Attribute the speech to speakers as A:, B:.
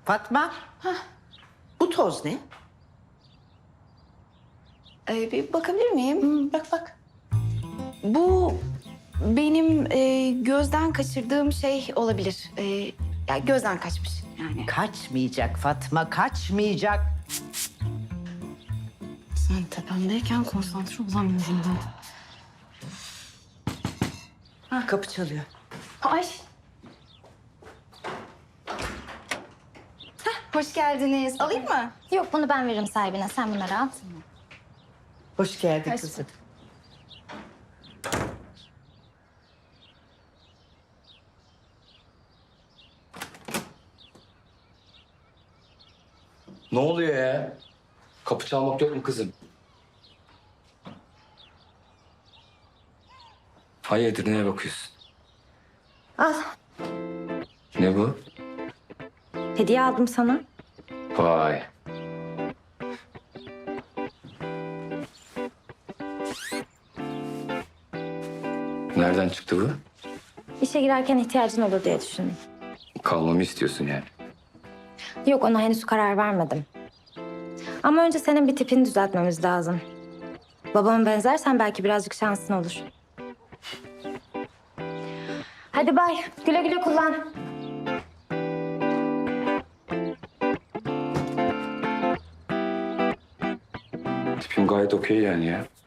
A: Fatma. Bu toz ne?
B: Bir bakabilir miyim? Bak bak. Bu benim gözden kaçırdığım şey olabilir. Ya gözden kaçmış yani.
A: Kaçmayacak Fatma, kaçmayacak.
B: Sen tepemdeyken konsantre olamıyorum ben.
A: Kapı çalıyor.
B: Ay. Hoş geldiniz. Alayım mı?
C: Yok bunu ben veririm sahibine. Sen bunları al.
A: Hoş geldin
B: Hoş
A: kızım.
D: Ne oluyor ya? Kapı çalmak yok mu kızım? Hayırdır, neye bakıyorsun?
C: Al.
D: Ne bu?
C: Hediye aldım sana.
D: Vay. Nereden çıktı bu?
C: İşe girerken ihtiyacın olur diye düşündüm.
D: Kalmamı istiyorsun yani.
C: Yok ona henüz karar vermedim. Ama önce senin bir tipini düzeltmemiz lazım. Babama benzersen belki birazcık şansın olur. Hadi bay. Güle güle kullan.
D: Tipim gayet okey yani ya.